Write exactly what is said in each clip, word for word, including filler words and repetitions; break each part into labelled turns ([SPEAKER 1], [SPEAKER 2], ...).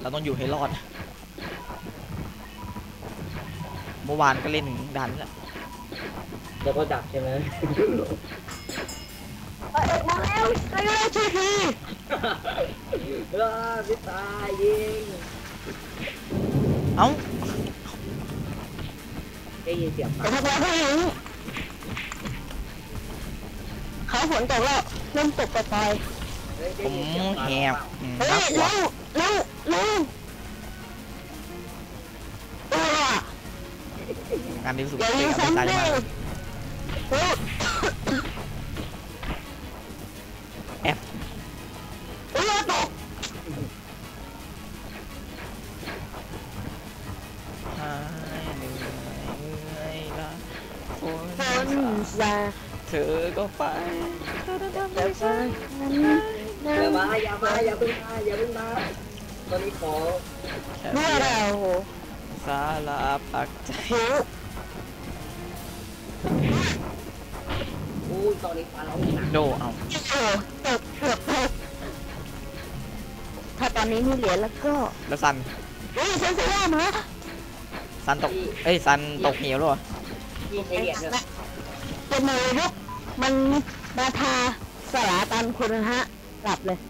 [SPEAKER 1] เราต้องอยู่ให้รอดเมื่อวานก็เล่นถึงดันแล้ว
[SPEAKER 2] แล้วก็ดับใช่ไหม
[SPEAKER 3] เออมาแล้วมาแล้วช่วยที
[SPEAKER 2] เออพี่ตายยิง
[SPEAKER 1] เอ้า
[SPEAKER 2] ได้ยินเสียง
[SPEAKER 3] แต่ทำไมเขาอย่างนี้เขาฝนตกแล้วเริ่มตกปล่อย
[SPEAKER 1] ผมแหบ
[SPEAKER 3] เฮ้ยเร็วเร็วเร็ว
[SPEAKER 1] งานดีสุด
[SPEAKER 3] อย่ายิงซ้ำเลย
[SPEAKER 1] แอบ
[SPEAKER 3] เออตก
[SPEAKER 1] หายเหนื่อยละฝน
[SPEAKER 3] ซา
[SPEAKER 1] เธอก็ไป
[SPEAKER 3] เดี๋ยวไป
[SPEAKER 2] อย่ามาอย่ามาอย่าเพิ่งมาอย่าเพิ่งมาตอนนี้ขอ
[SPEAKER 3] เมื่อเรา
[SPEAKER 1] สาลาพักใจ
[SPEAKER 2] อู้ตอนนี้ฟ้าร้องหนัก
[SPEAKER 1] โดเอา
[SPEAKER 3] ตกเกือบตกถ้าตอนนี้มีเหรียญแล้วก็
[SPEAKER 1] แล้วซัน
[SPEAKER 3] เฮ้ยซันเสียมา
[SPEAKER 1] ซันตกเอ้ยซันตกเหวหรอ
[SPEAKER 2] ที่ใช้เหรียญเนี่ย
[SPEAKER 3] เป็นมือยุกมันมาทาสลาตันคุณฮะหลับเลย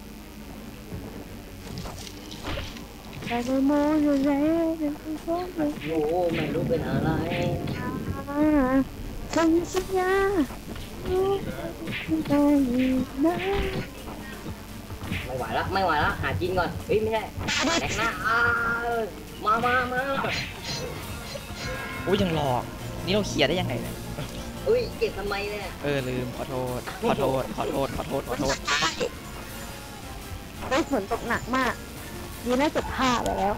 [SPEAKER 3] แต่ก็มองอยู่ไหนเป็นคนเลย
[SPEAKER 2] โอ้ไม่รู้เป็นอะไร
[SPEAKER 3] ฉันสัญญารู้ได้นะ
[SPEAKER 2] ไม่ไหวละไม่ไหวละหากินก่อนเฮ้ยไม่ใช่แต่งหน้ามามามา
[SPEAKER 1] อุ้ยยังหลอกนี่เราเคลียร์ได้ยังไงเนี่ย
[SPEAKER 2] อุ้ยเก็บทำไมเนี่ย
[SPEAKER 1] เออลืมขอโทษขอโทษขอโทษขอโทษขอโทษ
[SPEAKER 3] ได้ฝนตกหนักมากดีน่าจะผ้าไปแล้ว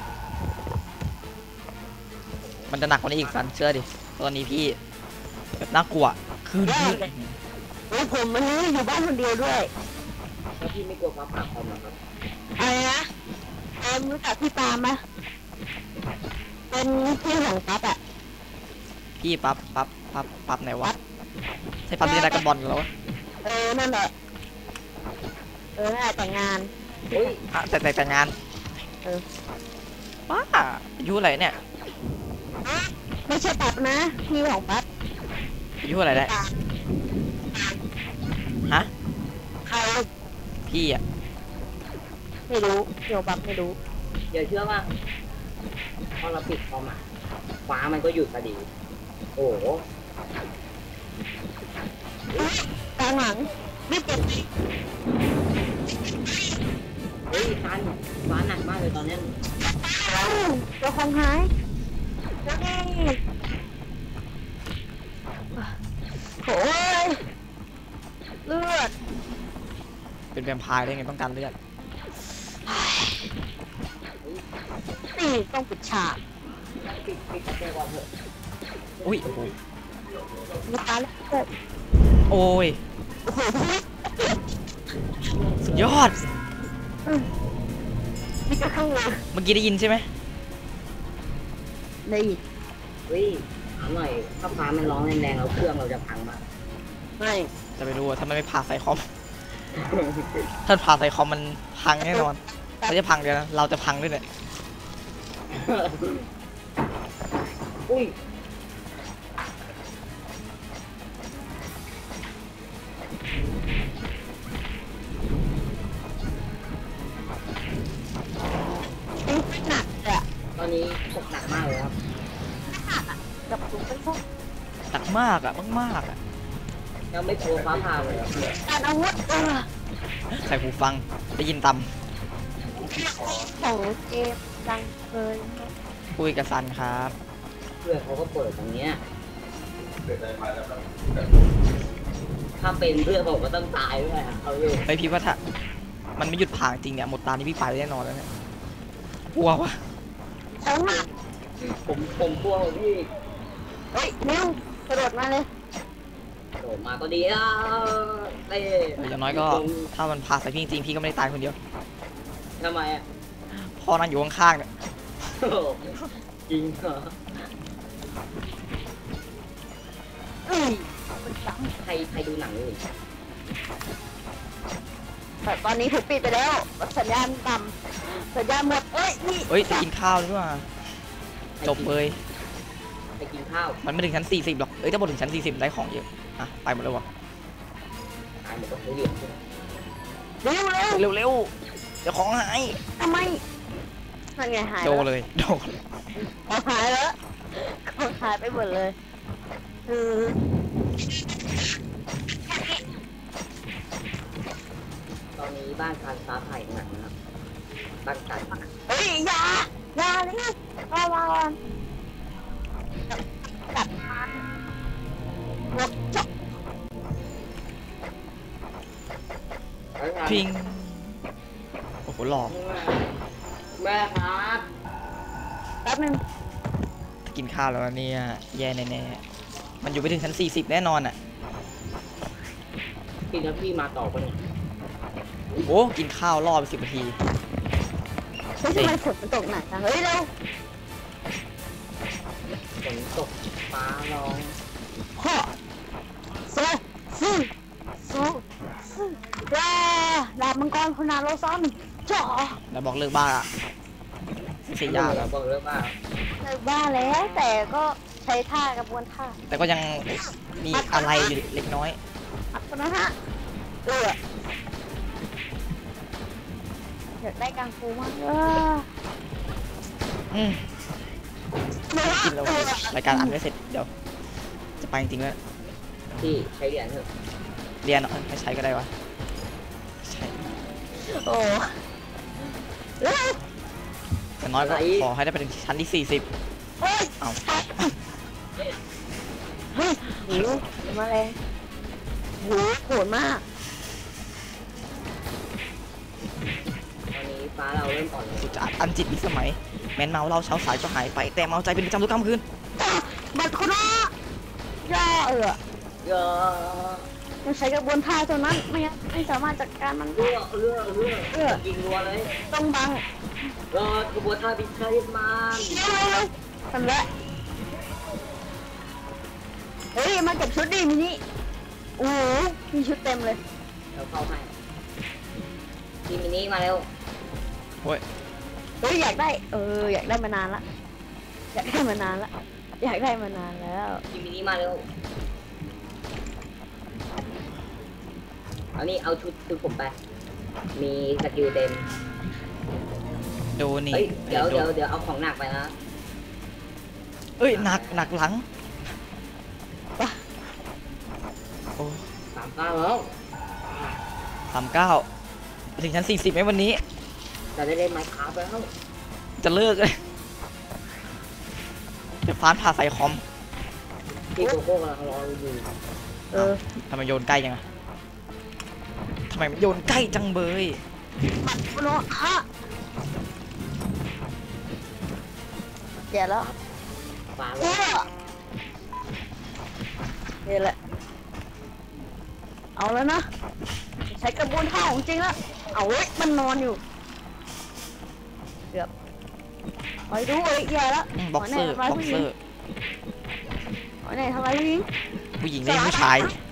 [SPEAKER 1] มันจะหนักกว่านี้อีกสันเชื่อดิตอนนี้พี่แบบน่ากลัวคือ
[SPEAKER 3] โอ้ผมมันนี้อยู่บ้านคนเดียวด้วย
[SPEAKER 2] แล้วพี่ไม่กลัวฟ้าผ่าคอมหรอครับ
[SPEAKER 3] อะไรนะเอ็มรู้จักพี่ปาไหมเป็นพี่ของปั๊บอะ
[SPEAKER 1] พี่ปั๊บปั๊บปั๊บปั๊บไหนวะใช่ปั๊บที่ได้กันบอลแล้ว
[SPEAKER 3] เออนั่นแหละเออแต่งงาน
[SPEAKER 1] อุ้ยแต่แต่แต่งงาน
[SPEAKER 3] เออ
[SPEAKER 1] ป้าอายุอะไรเนี่ย
[SPEAKER 3] ไม่ใช่ปั๊บนะพี่ของปั๊บ
[SPEAKER 1] อายุอะไรได้ฮะ
[SPEAKER 3] ใคร
[SPEAKER 1] พี่อ่ะ
[SPEAKER 3] ไม่รู้เกี่ยวปั๊บไม่รู้
[SPEAKER 2] อย่าเชื่อว่าพอเราปิดคอมอ่ะฟ้ามันก็หยุดพอดีโอ้โห
[SPEAKER 3] กลางหลังไม่เจ็บ
[SPEAKER 2] เฮ้ยฟ้าฟ้าหนักมากเลยตอนนี้
[SPEAKER 3] ตัวคงหายโอ้ยเลือด
[SPEAKER 1] เป็นแวมไพร์ได้ไงต้องการเลือด
[SPEAKER 3] นี่ต้องปิดฉาก
[SPEAKER 2] ปิดปิดเจอก่อนเถอะ
[SPEAKER 1] อุ้ยโอ้โห
[SPEAKER 3] มีตาแล้วเกิด
[SPEAKER 1] โอ้ยสุดยอด
[SPEAKER 3] นี่ก็ข้างเลย
[SPEAKER 1] เมื่อกี้ได้ยินใช่ไหม
[SPEAKER 3] ได้ยิน
[SPEAKER 2] เฮ้ยถามหน่อยถ้าฟ้ามันร้องแรงๆแล้วเครื่องเราจะพังมั้ย
[SPEAKER 3] ไม่
[SPEAKER 1] จะไปดูถ้ามันไม่ผ่าใส่คอมถ้าผ่าใส่คอมมันพังแน่นอนเราจะพังเดี๋ยวนะเราจะพังด้วยเนี่ย
[SPEAKER 2] อุ้ย
[SPEAKER 3] หนักอะ
[SPEAKER 2] ตอนนี้ตกหนักมากเลยครับ
[SPEAKER 3] หนักอะกับถุงเป็นพวก
[SPEAKER 1] หนักมากอะมากมากอะ
[SPEAKER 2] ยังไม่โผล่ฟ้าผ่าเลย
[SPEAKER 3] การอาวุธเออ
[SPEAKER 1] ใส่หูฟังได้ยินต่
[SPEAKER 3] ำของเกมดังเกิน
[SPEAKER 1] คุยกับซันครับ
[SPEAKER 2] เพื่อนเขาก็เปิดตรงเนี้ยถ้าเป็นเพื่อนผมก็ต้องตายด้วยเอาอยู่
[SPEAKER 1] ไปพี่ว่าถ้ามันไม่หยุดผ่าจริงเนี่ยหมดตานี่พี่ไปแน่นอนแล้วเนี่ยกลัววะ
[SPEAKER 2] ผมผมกลัวพี่
[SPEAKER 3] เฮ้ยนิ้วกระโดดมาเลย
[SPEAKER 2] กระโดดมาก็ดีแล้วเต้
[SPEAKER 1] อย่างน้อยก็ถ้ามันผ่าใส่พี่จริงพี่ก็ไม่ได้ตายคนเดียว
[SPEAKER 2] ทำไมอ่ะ
[SPEAKER 1] พ่อนั่งอยู่ข้างๆเนี่ย
[SPEAKER 2] จริงเหรอใครใครดูหนังอยู่
[SPEAKER 3] แต่ตอนนี้ถูกปิดไปแล้วสัญญาณต่ำสัญญาณหมดเอ้ยนี่
[SPEAKER 1] เอ้ยจะกินข้าวด้วยว่ะจบเลย
[SPEAKER 2] ไปกินข้าว
[SPEAKER 1] มันไม่ถึงชั้นสี่สิบหรอกเอ้ยถ้าหมดถึงชั้นสี่สิบได้ของเยอะอ่ะไปหมดเลยวะ
[SPEAKER 2] ตายหมดก็เหลือ
[SPEAKER 3] เร็วเร็ว
[SPEAKER 1] เร็วเร็วเดี๋ยวของหาย
[SPEAKER 3] ทำไมนั่นไงหาย
[SPEAKER 1] โด
[SPEAKER 3] แล้ว
[SPEAKER 1] เลยโด
[SPEAKER 3] ของหายแล้วของหายไปหมดเลยคือ
[SPEAKER 2] ตอนนี้บ้านการฟ้าผ่าหนักนะครับบ้านกัน
[SPEAKER 3] เฮ้ยอยาอยาเลยระวังกัดมันหัวจก
[SPEAKER 1] พิงโอ้โหหล่อ
[SPEAKER 2] แม่ครับ
[SPEAKER 3] แป๊บนึง
[SPEAKER 1] กินข้าวแล้วนะเนี่ยแย่แน่ๆมันอยู่ไปถึงชั้นสี่สิบแน่นอนอ่ะ
[SPEAKER 2] กินแล้วพี่มาต่อปะเนี่ย
[SPEAKER 1] โอ้กินข้าวรอไปสิบนาที
[SPEAKER 3] เฮ้ยทำไมฝนมันตกหนักจังเฮ้ยเร็ว
[SPEAKER 2] ฝนตกฟ้าร้อง
[SPEAKER 3] พ่อโซ่สู้สู้สู้ว้าดาบมังกรพนาโลซอนจ่อ
[SPEAKER 1] แล้วบอกเลิกบ้าอ่ะไม่ใช่ยาก
[SPEAKER 2] เราบอกเรื่องว่า
[SPEAKER 3] เลิกบ้าแล้วแต่ก็ใช้ท่ากระบวนท่า
[SPEAKER 1] แต่ก็ยังมีอะไรอยู่เล็กน้อย
[SPEAKER 3] อัดกันนะฮะเอออยากได้กังฟูมากเออ
[SPEAKER 1] อืมกินแล้วรายการอันไม่เสร็จเดี๋ยวจะไปจริงๆแล้ว
[SPEAKER 2] พี่ใช้เหรียญเถอะ
[SPEAKER 1] เรียนเนาะไม่ใช้ก็ได้วะใช่
[SPEAKER 3] โอ้เฮ้ย
[SPEAKER 1] แต่น้อยก็ขอให้ได้ไปถึงชั้นที่สี่สิบ
[SPEAKER 3] เฮ้ย
[SPEAKER 1] เอา
[SPEAKER 3] เฮ้ยหิวมาเลยโหโหดมาก
[SPEAKER 2] ตอนนี้ฟ้าเราเริ่มอ่อนลง
[SPEAKER 1] สุดจะอันจิตวิสมัยแมนเมาเราเช้าสายก็หายไปแต่เมาใจเป็นประจำทุกค่ำคืน
[SPEAKER 3] บัตรคนละย่าเออ
[SPEAKER 2] เยอะ
[SPEAKER 3] มันใช้กระบวนท่าเท่านั้นไม่งั้นไม่สามารถจัดการมันได้
[SPEAKER 2] เลือเลือเลือเลือยิงรัวเลย
[SPEAKER 3] ต้องบัง
[SPEAKER 2] เออกระบวนท่าบินชาลิมาน
[SPEAKER 3] เร็วๆทำละเฮ้ยมาเก็บชุดดิมินิโอ้โหมีชุดเต็มเลย
[SPEAKER 2] เราเข้าให้ทีมินิมาเร็ว
[SPEAKER 1] โอ้ย
[SPEAKER 3] เฮ้ยอยากได้เอออยากได้มานานละอยากได้มานานละอยากได้มานานแล้ว
[SPEAKER 2] ทีมินิมาเร็วเอานี่เอาชุดชุดผมไปมีสกิลเต็ม
[SPEAKER 1] โดนี่
[SPEAKER 2] เฮ้ยเดี๋ยว
[SPEAKER 1] โ
[SPEAKER 2] เดี๋ยวเดี๋ยวเอาของหนักไปนะ
[SPEAKER 1] เอ้ยหนักหนักหลังโอ้
[SPEAKER 2] สามเก้าแล้ว
[SPEAKER 1] สามเก้าถึงชั้นสี่สิบไหมวันนี้
[SPEAKER 2] เราได้เล่นไมค์คราฟแล้ว
[SPEAKER 1] จะเลิกเลยเดี๋ยวฟ้านผ่าใส่คอม
[SPEAKER 2] พี่โกโก้กำลังรออยู่
[SPEAKER 3] เออ
[SPEAKER 1] ทำไมโยนใกล้จังอะทำไมมันโยนใกล้จังเบย
[SPEAKER 3] บัตรคนละฮะแย่แล้ว
[SPEAKER 2] ฟ้า
[SPEAKER 3] เอ
[SPEAKER 2] แล้ว
[SPEAKER 3] อนี่แหละเอาแล้วนะใช้กระบวนท่าของจริงแล้วเอาเว้ยมันนอนอยู่เกือบไปดูเอ้ยแย่แล้ว
[SPEAKER 1] อืมบ็อกเซอร์
[SPEAKER 3] หย
[SPEAKER 1] บ็อกเซอร์
[SPEAKER 3] หอยไหนทำอะไรผู้หญิง
[SPEAKER 1] ผู้หญิงเล่นผู้ชาย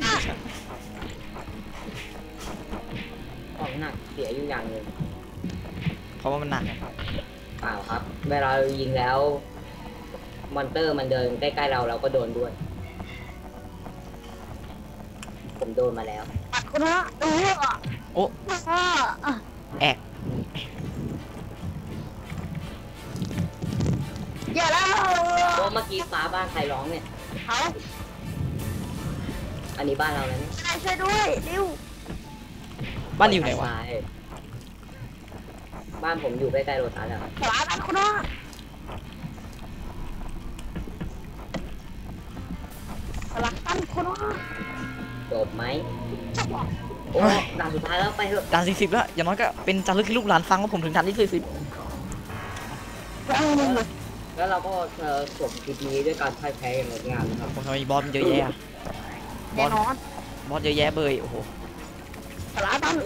[SPEAKER 2] ของหนักเสียอยู่อย่างหนึ่ง
[SPEAKER 1] เพราะว่ามันหนัก
[SPEAKER 2] เปล่าครับ เวลาเรายิงแล้วมอนเตอร์มันเดินใกล้ๆเราเราก็โดนด้วย ผมโดนมาแล้ว
[SPEAKER 3] ปัดคนละเออ
[SPEAKER 1] โอ้
[SPEAKER 3] อ่าอ่ะ
[SPEAKER 1] แอก
[SPEAKER 3] แย่แล้ว
[SPEAKER 2] โอ้เมื่อกี้ฟ้าบ้านใครร้องเนี่ย
[SPEAKER 3] เอา
[SPEAKER 2] อันนี้บ้านเราแล้วเนี่ย
[SPEAKER 3] ช่วยด้วยริว
[SPEAKER 1] บ้านอยู่ไหนวะ
[SPEAKER 2] ใช่บ้านผมอยู่ใกล้ๆโรตัสแล้ว
[SPEAKER 3] ขวาปัดคนละสลักตั้นคนละ
[SPEAKER 2] จบไหมโอ้ด่านสุดท้ายแล้วไปเถอะ
[SPEAKER 1] ด่านสี่สิบแล้วอย่างน้อยก็เป็นจารึกให้ลูกหลานฟังว่าผมถึงด่านที่สี่สิบ
[SPEAKER 3] เอาหนึ่งเลย
[SPEAKER 2] แล้วเราก็เอ่อจบคลิปนี้ด้วยการพ่ายแพ้อย่างงดงามนะครับ
[SPEAKER 1] ผมทำไมบอสมันเยอะแยะอะบ
[SPEAKER 3] แน่
[SPEAKER 1] อส
[SPEAKER 3] นอน
[SPEAKER 1] บอสเยอะแยะเบยโอ้โห
[SPEAKER 3] สลักตั้น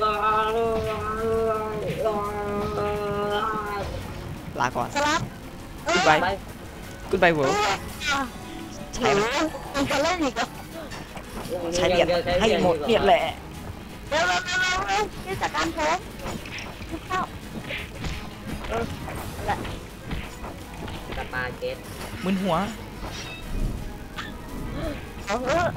[SPEAKER 1] ลาก่อน
[SPEAKER 3] สลับ
[SPEAKER 1] กูไป
[SPEAKER 2] ไป
[SPEAKER 1] กูไปเวิร์
[SPEAKER 3] ใช่ไหมมันจะเล่นอีกเหรอ
[SPEAKER 1] ใช้เหรียญให้หมดเนี่ยแหละ
[SPEAKER 3] เร็วเร็วเร็วเร็ววที่จัดการผมทุกเข้าเออนั่นแหละ
[SPEAKER 2] สปาเกต
[SPEAKER 1] มึนหัว
[SPEAKER 3] เอาเถอะ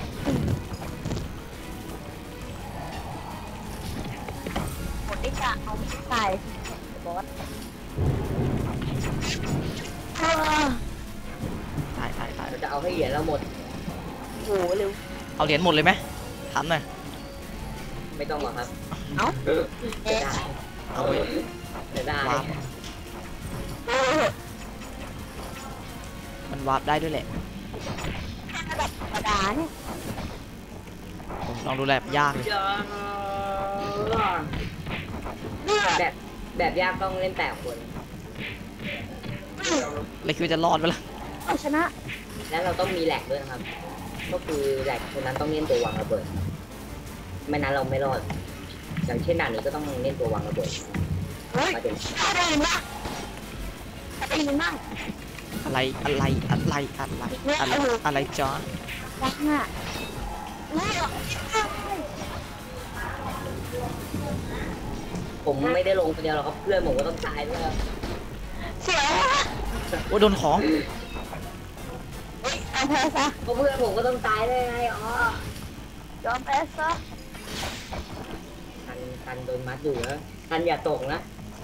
[SPEAKER 3] หมดที่จะเอาไม่ใส่บอสเออ
[SPEAKER 1] ตายตายตาย
[SPEAKER 2] เราจะเอาให้เหรียญเราหมด
[SPEAKER 3] โหเร็ว
[SPEAKER 1] เอาเหรียญหมดเลยไหมถามหน่อย
[SPEAKER 2] ไม่ต้องหรอกครับ
[SPEAKER 3] เอ้า
[SPEAKER 2] จะได้
[SPEAKER 1] เอาไป
[SPEAKER 2] จะได้
[SPEAKER 1] วาร์ป
[SPEAKER 3] เออ
[SPEAKER 1] มันวาร์ปได้ด้วยแหละ
[SPEAKER 3] ระดับธรรมดาเนี่ย
[SPEAKER 1] ผมลองดูแลบยากเลย
[SPEAKER 3] เนี่ย
[SPEAKER 2] แบบแบบยากต้องเล่นแปดคน
[SPEAKER 1] เลยคิดว่าจะรอดไปละ
[SPEAKER 3] เอาชนะ
[SPEAKER 2] แล้วเราต้องมีแหลกด้วยนะครับ ก็คือแหลกคนนั้นต้องเล่นตัววางระเบิดไม่นั้นเราไม่รอด อย่างเช่นด่านนี้ก็ต้องเล่นตัววางระเบิด
[SPEAKER 3] เฮ้ย
[SPEAKER 2] มาถึง
[SPEAKER 3] ถ้าได้ยินบ้างถ้าได้ยินบ้าง
[SPEAKER 1] อะไรอะไรอะไรอะไรอะไรอะไรจ้า
[SPEAKER 3] รักน่ะไม่หรอก
[SPEAKER 2] ผมไม่ได้ลงคนเดียวหรอกครับเพื่อนผมก็ต้องตายด้วยครับ
[SPEAKER 3] เสีย
[SPEAKER 1] โอ้โดนของ
[SPEAKER 3] เฮ้ยยอมแพ้ซะ
[SPEAKER 2] เพราะเพื่อนผมก็ต้องตายด้วยไงอ๋อย
[SPEAKER 3] อมแพ้ซะ
[SPEAKER 2] ทันทันโดนมัดอยู่นะทันอย่าตกนะ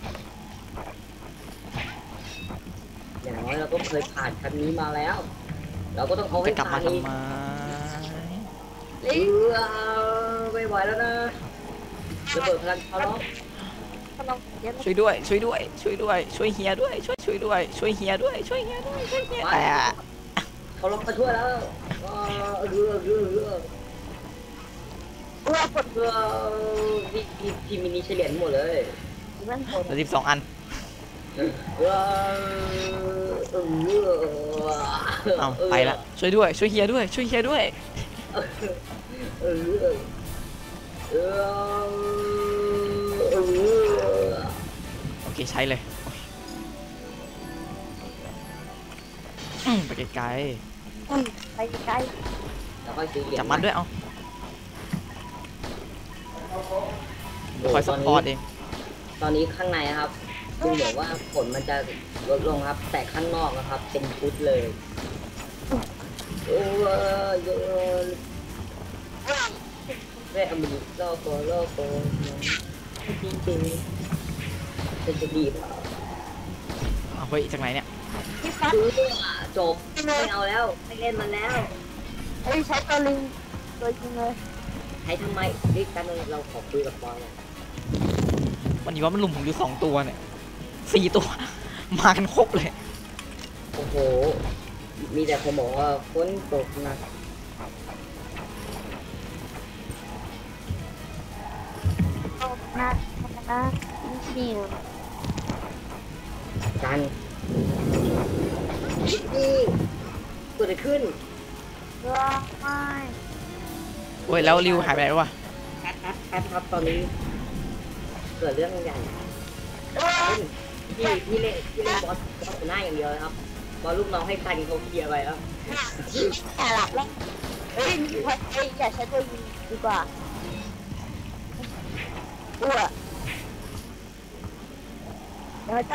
[SPEAKER 2] อย่างน้อยเราก็เคยผ่านคันนี้มาแล้ว เราก็ต้องเอาให้
[SPEAKER 1] จะกลับ
[SPEAKER 2] ผ่าม
[SPEAKER 1] าน
[SPEAKER 2] อีก
[SPEAKER 1] ทำไม
[SPEAKER 2] เออไม่ไหวแล้วนะจะเปิดพลังเขาล็อก
[SPEAKER 3] กำลังเย็น
[SPEAKER 1] ช่วยด้วยช่วยด้วยช่วยด้วยช่วยเฮียด้วยช่วยช่วยด้วยช่วยเฮียด้วยช่วยเฮียด้วยช่วยเฮียแต่
[SPEAKER 2] เขาล็อกมาช่วยแล้วเออเรือเรือเรือ
[SPEAKER 3] เออกด
[SPEAKER 2] เรือทีทีทีมินิเฉลี่ยหมดเลย
[SPEAKER 3] เล่นผล
[SPEAKER 1] เหลือสิบสองอัน
[SPEAKER 2] เออเออ
[SPEAKER 1] เอาไปละช่วยด้วยช่วยเฮียด้วยช่วยเฮียด้วย
[SPEAKER 2] เออเออเออ
[SPEAKER 1] โอเคใช้เลยอืมไปไกล
[SPEAKER 3] อุ้ยไปไกล
[SPEAKER 2] แล้วค่อยซื้อเหรียญ
[SPEAKER 1] ๆจับมันด้วยเอาคอยซัพพอร์ตเอง
[SPEAKER 2] ตอนนี้ข้างในนะครับดูเหมือนว่าฝนมันจะลดลงครับ แต่ข้างนอกนะครับ เป็นชุดเลยโอ้ยเยอะแม่อเมริกาโคโลโคจริงจริงๆเป็นจะดีเปล่า
[SPEAKER 1] เอาเฮ้ยจากไหนเนี่ย
[SPEAKER 3] ที่ฟัด
[SPEAKER 2] ซื้อจบไม่เอาแล้วไม่เล่นมันแล้ว
[SPEAKER 3] เฮ้ยใช้ตัวลิงตัวจริงเลย
[SPEAKER 2] ใช้ทำไมรีบกันเลยเราขอคุยกับบอลเนี่ย
[SPEAKER 1] วันนี้ว่ามันลุมผมอยู่สองตัวเนี่ยสี่ตัว มากันครบเลย
[SPEAKER 2] โอ้โห มีแต่คนบอกว่าฝนตกหนะ
[SPEAKER 3] โอ้นะนะนี่
[SPEAKER 2] กันนี่เกิดอะไรขึ้น
[SPEAKER 3] ร้องไห้
[SPEAKER 1] โอ้ยแล้วริวหายไปไหนวะ
[SPEAKER 2] แอดแอดแอดครับตอนนี้ เกิดเรื่องใหญ่
[SPEAKER 3] เออ
[SPEAKER 2] พี่พี่เล่นพี่เล่นบอสบอสหน้าอย่างเดียวนะครับบอสลูกน้องให้ทันเขาเคลียร์ไปแล้ว
[SPEAKER 3] แอบหลับแล้วเฮ้ยเฮ้ยอย่าใช้ตัวยิงดีกว่าอ้วเดี๋ยวจะ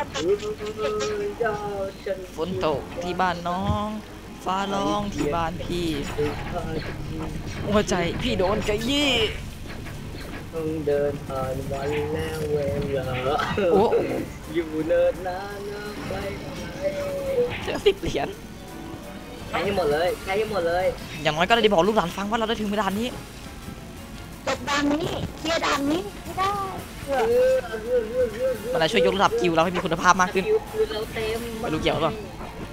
[SPEAKER 1] ฝนตกที่บ้านน้อง ฟ้าร้องที่บ้านพี่ หัวใจพี่โดนกระยี่
[SPEAKER 2] ต้องเดินผ่านวันแล้วเวลา
[SPEAKER 1] โอ้
[SPEAKER 2] อยู่เนินนานนะไปไหน
[SPEAKER 1] เจอสิบเหรียญ
[SPEAKER 2] ใช้ให้หมดเลยใช้ให้หมดเลย
[SPEAKER 1] อย่างน้อยก็ได้บอกลูกหลานฟังว่าเราได้ถึงเวลานี้
[SPEAKER 3] จบด่านนี้เคลียร์ด่านนี้ไม่ได้เอ
[SPEAKER 2] เอ
[SPEAKER 3] อ
[SPEAKER 2] อเออเออเออเออ
[SPEAKER 1] มันจะช่วยยกระดับกิลเราให้มีคุณภาพมากขึ้น
[SPEAKER 2] สกิลปืนเราเต็ม
[SPEAKER 1] ไม่รู้เกี่ยวหรือเปล่า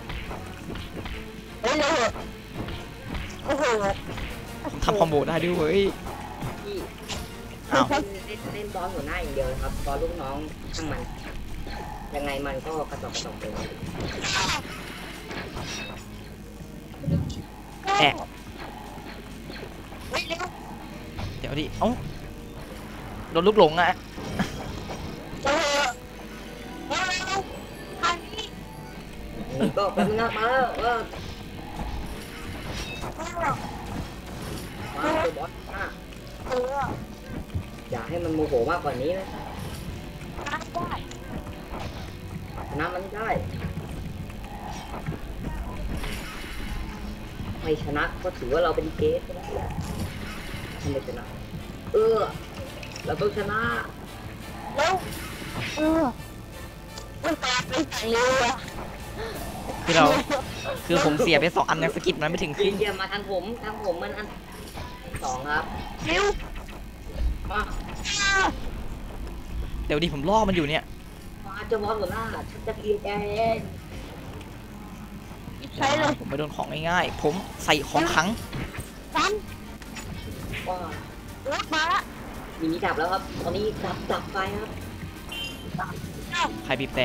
[SPEAKER 3] เฮ้ยเร็วโอ้โห
[SPEAKER 1] ทำคอมโบได้ด้วยเว้ย
[SPEAKER 2] พี่
[SPEAKER 1] อ้าว
[SPEAKER 2] เล่นเล่นเล่นบอลหัวหน้าอย่างเดียวนะครับบอลลูกน้องช่างมัน ยังไงมันก็กระจอกกระจอกเลย
[SPEAKER 1] แอะ
[SPEAKER 3] เฮ้ยเร็ว
[SPEAKER 1] เดี๋ยวดิ เอ้า โดนลูกหลงอ่ะ
[SPEAKER 3] เร็วเร็วเร็วทางนี้
[SPEAKER 2] ก็แป๊บนึงนะมาแล้วเออ
[SPEAKER 3] เร็ว
[SPEAKER 2] มาเจอบอสอ่ะ
[SPEAKER 3] เออ
[SPEAKER 2] อย่าให้มันโมโหมากกว่านี้นะ
[SPEAKER 3] ได้ได้
[SPEAKER 2] ชนะมันได้ไม่ชนะก็ถือว่าเราเป็นเกสแล้วแหละทำไมชนะเออเราต้องชนะ
[SPEAKER 3] แล้วเออมันกลายเป็นอย่างเร็วอะ
[SPEAKER 1] คือเราคือผมเสียไปสองอันยังสกิดมันไม่ถึงครึ่ง
[SPEAKER 2] เยี่ยมมาทางผมทางผมมันอันสองครับ
[SPEAKER 3] เร็ว
[SPEAKER 2] มา
[SPEAKER 1] เดี๋ยวดิผมล่อมันอยู่เนี่ย
[SPEAKER 2] มาเจะบอสหัวหน้าฉันจะเคลียร์แกเอง
[SPEAKER 3] ใช้เลย
[SPEAKER 1] ผมไม่โดนของง่ายๆผมใส่ของขัง
[SPEAKER 3] ซัน
[SPEAKER 2] ว้าร
[SPEAKER 3] ถมาละ
[SPEAKER 2] มินิดับแล้วครับ ตอนนี้ดับดับไฟครับ
[SPEAKER 1] ใครบีบแต่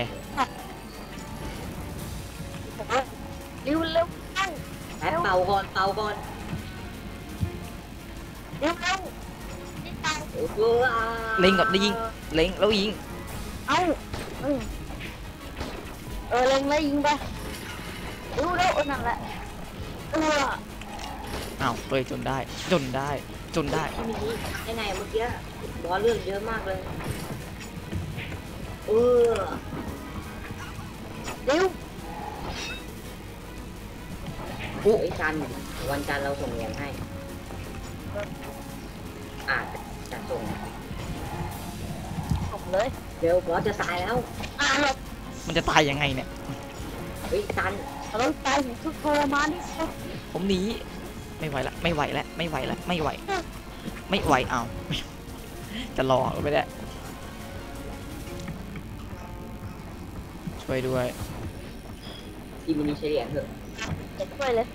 [SPEAKER 3] เร็วเร็วเร็ว
[SPEAKER 2] แป๊บเป่าก่อนเป่าก่อน
[SPEAKER 3] เร็วเร็วนี่ตาย
[SPEAKER 2] โอ้โห
[SPEAKER 1] เล็งก่อนได้ยิงเล็งแล้วยิง
[SPEAKER 3] เอ้าเออเออเล็งเลยยิงไปเร็วเร็วเออนั่นแหละเออ
[SPEAKER 1] อ้าวเฮ้ยจนได้จนได้จนได้
[SPEAKER 2] ที่มินิยังไงเมื่อกี้บอสเลือกเยอะมากเลยเออ
[SPEAKER 3] เร็ว
[SPEAKER 1] อุ๊
[SPEAKER 2] ไอ้ยจันทร์วันจันทร์เราส่งเหรียญให้อาจจะส่ง
[SPEAKER 3] ส่งเลย
[SPEAKER 2] เร็วบอสจะตายแล้ว
[SPEAKER 3] อ่าหลบ
[SPEAKER 1] มันจะตายยังไงเนี่ย
[SPEAKER 2] เฮ้ยจันทร์
[SPEAKER 3] เราตายถึงทุกทรมานที่สุด
[SPEAKER 1] ผมหนีไม่ไหวละไม่ไหวละไม่ไหวละไม่ไหว ไม่ไหวเอาวจะรอก็ไม่ได้ช่วยด้วย
[SPEAKER 2] ที่มินิใช้เหรียญเถอะ
[SPEAKER 3] จะช่วยเลย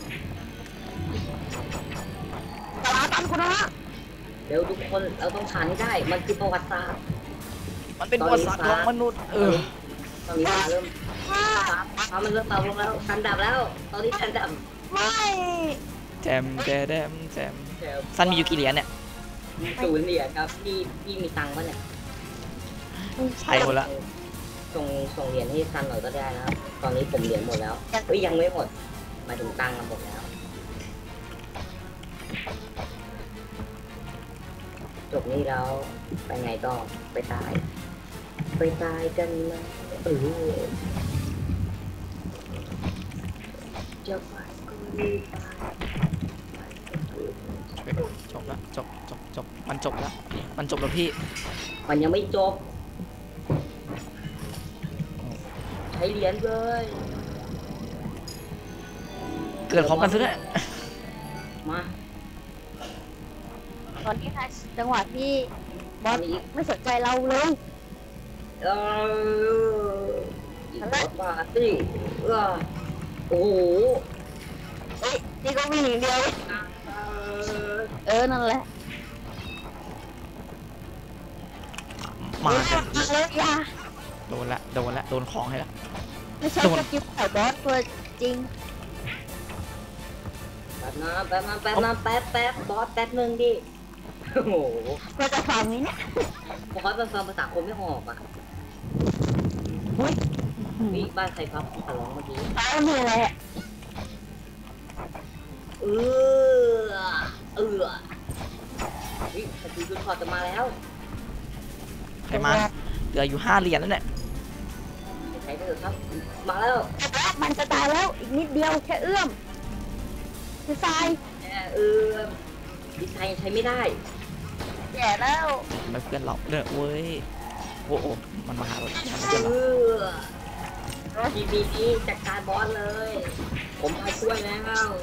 [SPEAKER 3] ตลาดตันคุณนะ
[SPEAKER 2] เร็วทุกคนเราต้องผ่านให้ได้ มันคือประวัติศาสตร์
[SPEAKER 1] มันเป็นประวัติศาสตร์ของมนุษย์เออ
[SPEAKER 2] ตอนนี้ฟ้าเริ่มฟ้าฟ้ามันเริ่มเบาลงแล้วคันดับแล้ว ตอนนี้คันดับ
[SPEAKER 3] ไม่
[SPEAKER 1] แจมแจแดมแจม
[SPEAKER 2] เดี๋ยว
[SPEAKER 1] ซันมีอยู่กี่เหรียญเนี่ย
[SPEAKER 2] ศูนย์เหรียญครับพี่พี่มีตังค์ปะเนี่ย
[SPEAKER 1] ใช่หมดละ
[SPEAKER 2] ส่งส่งเหรียญให้ซันหน่อยก็ได้นะครับ ตอนนี้ผมเหรียญหมดแล้วเฮ้ยยังไม่หมดหมายถึงตังค์อะหมดแล้ว จบนี้แล้วไปไงต่อไปตาย ไปตายกันนะเออจะไปก็รีบไป
[SPEAKER 1] จบละจบจบจบมันจบแล้วมันจบแล้วพี่
[SPEAKER 2] มันยังไม่จบ ใช้เหรียญเลย
[SPEAKER 1] เกิดพร้อมกันซะด้วย
[SPEAKER 2] มา
[SPEAKER 3] ตอนนี้นะจังหวะที่บ
[SPEAKER 2] ต
[SPEAKER 3] อ
[SPEAKER 2] อ
[SPEAKER 3] ส
[SPEAKER 2] นนี้
[SPEAKER 3] ไม่สนใจเราเลย
[SPEAKER 2] เอออีกรถมาสิเออโอ้โห
[SPEAKER 3] เฮ้ยนี่ก็วิ่งอย่างเดียว
[SPEAKER 2] เออ
[SPEAKER 3] เออนั่นแหละ
[SPEAKER 1] มากัน
[SPEAKER 3] มาเลยอย่า
[SPEAKER 1] โดนละโดนละโดนของให้ละ
[SPEAKER 3] ไม่ใช่
[SPEAKER 1] โดน
[SPEAKER 3] สกิลไข่บอสตัวจริง
[SPEAKER 2] แป๊บนะแป๊บนะแป๊บนะแป๊บแป๊บบอสแป๊บนึงดิโอ้โห
[SPEAKER 3] เราจะฟังนี้เนี่ย
[SPEAKER 2] บอสมันฟังภาษาคนไม่ออกอ่ะ
[SPEAKER 3] เฮ้ย
[SPEAKER 2] นี่บ้านใครพับขอร้องเมื่อกี้
[SPEAKER 3] ตายนี่แหละ
[SPEAKER 2] เออเออวิสกิลจุดพอจะมาแล้ว
[SPEAKER 1] ใครมาเหลืออยู่ห้าเหรียญแล้วเนี่ย
[SPEAKER 2] ใช้ไปเถอะครับ มาแล้ว
[SPEAKER 3] มันจะตายแล้วอีกนิดเดียวแค่เอื้อมคือทราย
[SPEAKER 2] แหมเออดีไซน์ยังใช้ไม่ได้
[SPEAKER 3] แย่แล้ว
[SPEAKER 1] ไม่เพื่อนเราเด้อเว้ยโอ้โหมันมาหาเรามันไม่
[SPEAKER 2] เอ
[SPEAKER 1] เพื่อนเรา
[SPEAKER 2] อทีบีนี้จัดการบอสเลย ผมมาช่วยแล้ว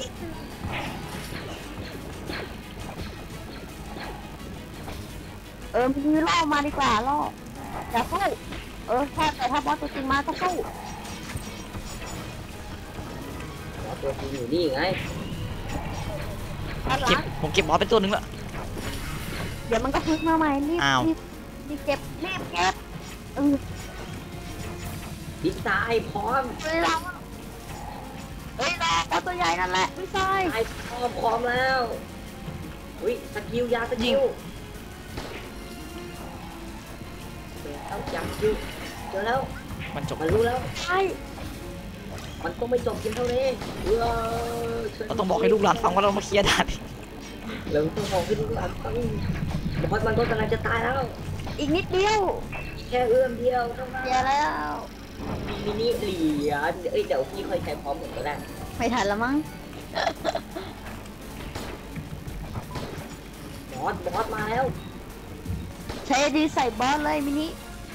[SPEAKER 3] เออมีล่อมาดีกว่าล่ออย่าสู้เออถ้าแต่ถ้าบอสตัวจริงมาก็สู้
[SPEAKER 2] บอสตัวจริงอยู่นี่ไง
[SPEAKER 3] อันหลั
[SPEAKER 1] เก็บ
[SPEAKER 3] ง
[SPEAKER 1] ผมเก็บบอสเป็นตัวหนึ่งละ
[SPEAKER 3] เดี๋ยวมันก็ฟื้นมาใหม่รีบ
[SPEAKER 1] อ้าว
[SPEAKER 3] รีบรีบเก็บรีบเก็บเออ
[SPEAKER 2] ดีไซน์พร้อม
[SPEAKER 3] เฮ้ยเราเฮ้ยเราเอาตัวใหญ่นั่นแหละไม่ใช่
[SPEAKER 2] ดีไซน์พร้อมพร้อมแล้วอุ้ยสกิลยาสกิลเจอแล้วยาสกิลเจอแล้ว
[SPEAKER 1] มันจบ
[SPEAKER 2] มันรู้แล้ว
[SPEAKER 3] ใช่
[SPEAKER 2] มันต้องไม่จบเพียงเท่านี้เออ
[SPEAKER 1] เราต้องบอกให้ลูกหลานฟังว่าเรามาเคลียร์ด่าน
[SPEAKER 2] เราต้องบอกให้ลูกหลานฟังบอสมันก็กำลังจะตายแล้ว
[SPEAKER 3] อีกนิดเดียว
[SPEAKER 2] แค่เอื้อมเดียวเท่านั้น
[SPEAKER 3] เดียวแล้ว
[SPEAKER 2] มินิเหรียญเอ้ยเดี๋ยวพี่ค่อยใช้พร้อมผมก็ได้
[SPEAKER 3] ไม่ทันแล้วมั้ง
[SPEAKER 2] บอสบอสมาแล้ว
[SPEAKER 3] ใช้ดีใส่บอสเลยมินิ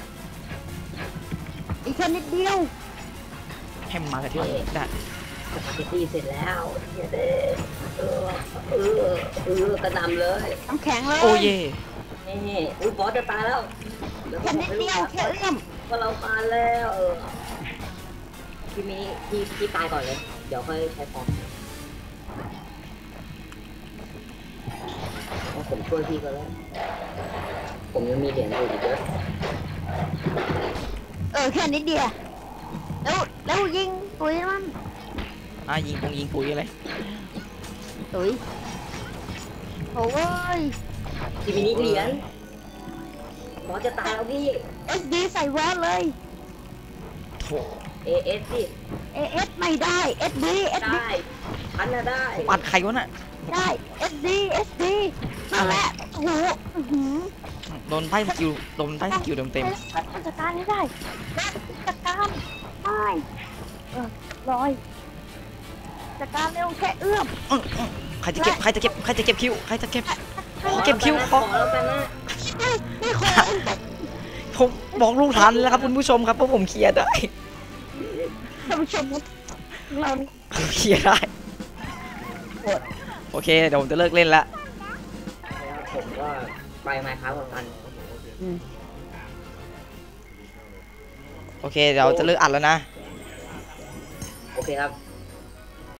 [SPEAKER 3] อีกแค่นิดเดียว
[SPEAKER 1] ให้มันมาแต่ที่มันได้
[SPEAKER 2] สปาเกตตี้เสร็จแล้วเย้เด้เออเออเออกระหนำเลย
[SPEAKER 3] น้ำแข็งเลย
[SPEAKER 1] โอ้เย่
[SPEAKER 2] นี่อุ้ยบอสจะตายแล้ว
[SPEAKER 3] แค่นิดเดียวแค่เอื้อม
[SPEAKER 2] ก็เราตายแล้วเออพี่มินิพี่พี่ตายก่อนเลย เดี๋ยวค่อยใช้พร้อมเพราะผมช่วยพี่ก็แล้ว ผมยังมีเหรียญอยู่อีกเยอะ
[SPEAKER 3] เออแค่นิดเดียวแล้วแล้วยิงปุ๋ยมัน
[SPEAKER 1] อ่ะยิงปงยิงปุ๋ยอะไร
[SPEAKER 3] ตุ๋ยโอ้ย
[SPEAKER 2] พี่มินิเหรียญบอสจะตายแล้วพี่
[SPEAKER 3] เอสดีใส่บอสเลย
[SPEAKER 1] โถ
[SPEAKER 2] เอเอสสิ
[SPEAKER 3] เอเอสไม่ได้เอสดีเอสดี
[SPEAKER 2] ได้พันน่ะได้
[SPEAKER 1] ผมอัดใครวะน่ะ
[SPEAKER 3] ได้เอสดีเอสดีนั่นแหละโอ้โหอื้อหือ
[SPEAKER 1] โดนไพ่สกิลโดนไพ่สกิลเต็มเต็ม
[SPEAKER 3] มันจัดการไม่ได้จัดการไม่เออลอยจัดการเร็วแค่เอื้อม
[SPEAKER 1] ๆอื้ออื้อใครจะเก็บใครจะเก็บใครจะเก็บคิวใครจะเก็บ
[SPEAKER 2] ขอ
[SPEAKER 1] เก็บคิว
[SPEAKER 2] แล้ว
[SPEAKER 1] ขอ
[SPEAKER 2] แล้วกันนะ
[SPEAKER 3] ไม่ไม่ขอ
[SPEAKER 1] ผมบอกลูกทันแล้วครับคุณผู้ชมครับเพราะผมเคลียร์ได้
[SPEAKER 3] ท่านผู้ชมเรา
[SPEAKER 1] ผมเคลียร์ได้โอเคเดี๋ยวผมจะเลิกเล่นละ
[SPEAKER 2] แล้วผมก็ไปไมค์ครับกัน
[SPEAKER 3] อืม
[SPEAKER 1] โอเคเดี๋ยวจะเลิกอัดแล้วนะ
[SPEAKER 2] โอเคครับ